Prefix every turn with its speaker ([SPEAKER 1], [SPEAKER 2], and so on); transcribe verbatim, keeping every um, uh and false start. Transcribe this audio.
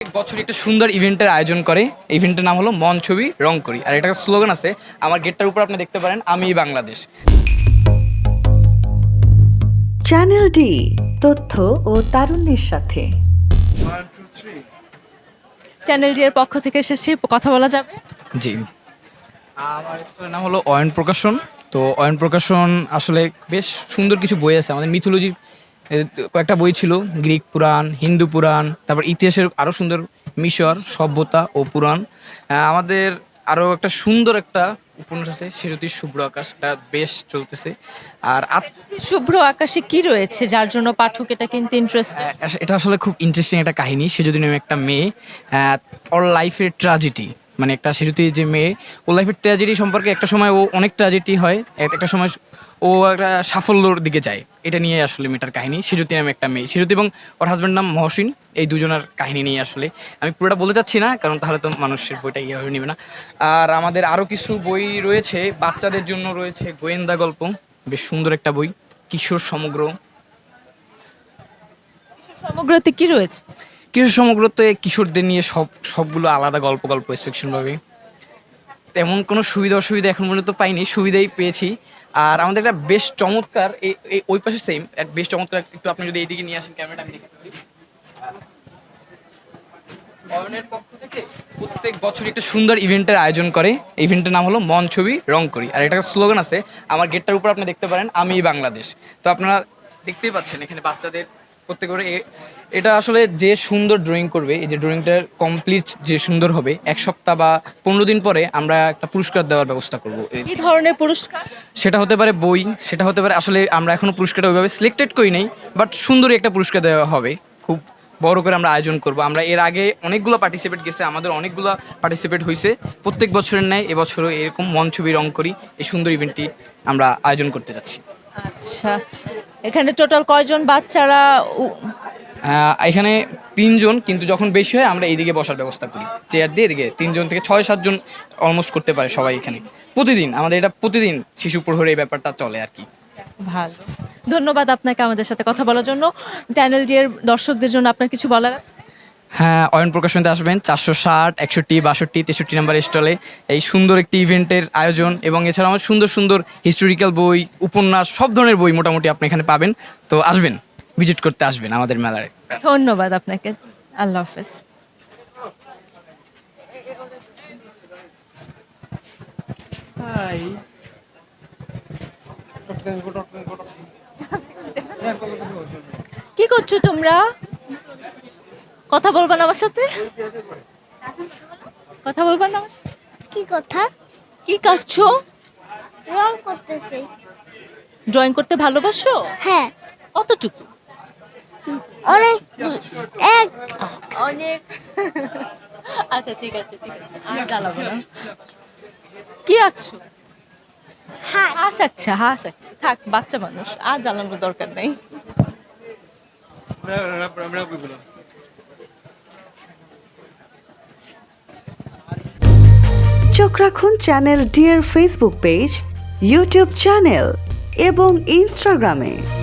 [SPEAKER 1] বছর একটা সুন্দর ইভেন্টের আয়োজন করে। ইভেন্টের নাম হলো মন ছবি রং করি। আর এটা স্লোগান আছে, আমার গেটটার উপর আপনি দেখতে পারেন, আমি বাংলাদেশ।
[SPEAKER 2] চ্যানেল ডি, তথ্য ও তারুণ্যের সাথে।
[SPEAKER 3] চ্যানেল ডি এর পক্ষ থেকে এসেছি, কথা বলা যাবে?
[SPEAKER 1] জি, আমার স্কুলের নাম হলো অয়ন প্রকাশন। তো অয়ন প্রকাশন আসলে বেশ সুন্দর কিছু বই আছে। আমাদের মিথোলজির কয়েকটা বই ছিল, গ্রিক পুরাণ, হিন্দু পুরাণ, তারপর ইতিহাসের আরও সুন্দর মিশর সভ্যতা ও পুরাণ। আহ, আমাদের আরও একটা সুন্দর একটা উপন্যাস আছে, সেরতির শুভ্র আকাশটা বেশ চলতেছে। আর আত-
[SPEAKER 3] শুভ্র আকাশে কি রয়েছে যার জন্য পাঠক এটা কিনতে ইন্টারেস্টেড?
[SPEAKER 1] আহ, এটা আসলে খুব ইন্টারেস্টিং একটা কাহিনী। সে যদি নামে একটা মেয়ে, আহ, ওর লাইফের ট্র্যাজেডি, মানে একটা সেরতি যে মেয়ে, ওর লাইফের ট্র্যাজেডি সম্পর্কে একটা সময় ও অনেক ট্র্যাজেডি হয়, এক- একটা সময় ও একটা সাফল্যর দিকে যায়। এটা নিয়ে আসলে মেয়েটার কাহিনী। সেরতি নামে একটা মেয়ে, সেরতি এবং ওর হাজব্যান্ড নাম মহসিন। এই দুজনের কাহিনী নিয়ে আসলে আমি পুরোটা বলতে চাচ্ছি না, কারণ তাহলে তো মানুষের বইটা ইয়ে হয়ে নেবে না। আর আমাদের আরও কিছু বই রয়েছে বাচ্চাদের জন্য, রয়েছে গোয়েন্দা গল্প, বেশ সুন্দর একটা বই, কিশোর সমগ্র।
[SPEAKER 3] সমগ্রতে কি রয়েছে?
[SPEAKER 1] কিশোর সমগ্রতে কিশোরদের নিয়ে সব সবগুলো আলাদা গল্প গল্প সেকশন ভাবে। তেমন কোনো সুবিধা অসুবিধা এখন পর্যন্ত পাইনি, সুবিধাই পেয়েছি। আর আমাদের একটা বেশ চমৎকার এই এই- ওই পাশে সেম বেশ চমৎকার একটু, আপনি যদি এইদিকে নিয়ে আসেন ক্যামেরাটা, আমি দেখতে পারি। অয়নের পক্ষ থেকে প্রত্যেক বছর একটা সুন্দর ইভেন্টের আয়োজন করে। ইভেন্টের নাম হলো মন ছবি রং করি। আর এটা স্লোগান আছে, আমার গেটটার উপর আপনি দেখতে পারেন, আমি বাংলাদেশ। তো আপনারা দেখতেই পাচ্ছেন এখানে বাচ্চাদের প্রত্যেক করে এ- এটা আসলে যে সুন্দর ড্রয়িং করবে, এই যে ড্রয়িংটার কমপ্লিট যে সুন্দর হবে, এক সপ্তাহ বা পনেরো দিন পরে আমরা একটা পুরস্কার দেওয়ার ব্যবস্থা করবো।
[SPEAKER 3] কি ধরনের পুরস্কার?
[SPEAKER 1] সেটা হতে পারে বই, সেটা হতে পারে, আসলে আমরা এখনো পুরস্কারটা ওইভাবে সিলেক্টেড করি নাই, বাট সুন্দরই একটা পুরস্কার দেওয়া হবে। খুব বড় করে আমরা আয়োজন করব। আমরা এর আগে অনেকগুলো পার্টিসিপেট গেছে, আমাদের অনেকগুলো পার্টিসিপেট হয়েছে। প্রত্যেক বছরের ন্যায় এবছরও এরকম মন ছবি রং করি এই সুন্দর ইভেন্টটি আমরা আয়োজন করতে যাচ্ছি।
[SPEAKER 3] আচ্ছা, এখানে টোটাল কয়জন বাচ্চারা উ-
[SPEAKER 1] আহ, এখানে তিনজন, কিন্তু যখন বেশি হয় আমরা এইদিকে বসার ব্যবস্থা করি, চেয়ার দিয়ে এদিকে তিনজন থেকে ছয় সাতজন অলমোস্ট করতে পারে সবাই এখানে। প্রতিদিন আমাদের এটা প্রতিদিন শিশু প্রহরে এই ব্যাপারটা চলে আর কি।
[SPEAKER 3] ভালো, ধন্যবাদ আপনাকে আমাদের সাথে কথা বলার জন্য। চ্যানেল ডি এর দর্শকদের জন্য আপনার কিছু বলার আছে?
[SPEAKER 1] হ্যাঁ, অয়ন প্রকাশনীতে আসবেন, চারশো ষাট একষট্টি বাষট্টি তেষট্টি নাম্বার স্টলে এই সুন্দর একটি ইভেন্টের আয়োজন, এবং এছাড়া আমার সুন্দর সুন্দর হিস্টোরিক্যাল বই, উপন্যাস, সব ধরনের বই মোটামুটি আপনি এখানে পাবেন। তো আসবেন, ভিজিট করতে আসবেন আমাদের মেলায়।
[SPEAKER 3] ধন্যবাদ আপনাকে, আল্লাহ হাফেজ। কি করছো তোমরা? কথা বলবা না আমার সাথে? কথা বলবা না আমার সাথে?
[SPEAKER 4] কি কথা?
[SPEAKER 3] কি করছো?
[SPEAKER 4] রং করতেছি।
[SPEAKER 3] ড্রয়িং করতে ভালোবাসো?
[SPEAKER 4] হ্যাঁ,
[SPEAKER 3] কতটুকু?
[SPEAKER 4] অনেক। এক
[SPEAKER 3] অনেক। আচ্ছা ঠিক আছে ঠিক আছে, আর জ্বালাবো না। কি আঁকছো?
[SPEAKER 4] হাত।
[SPEAKER 3] হাঁস আঁকছে, হাঁস আঁকছে, থাক, বাচ্চা মানুষ, আর জ্বালানোর দরকার নেই।
[SPEAKER 2] চোখ রাখুন চ্যানেল ডি এর ফেসবুক পেজ, ইউটিউব চ্যানেল এবং ইনস্টাগ্রামে।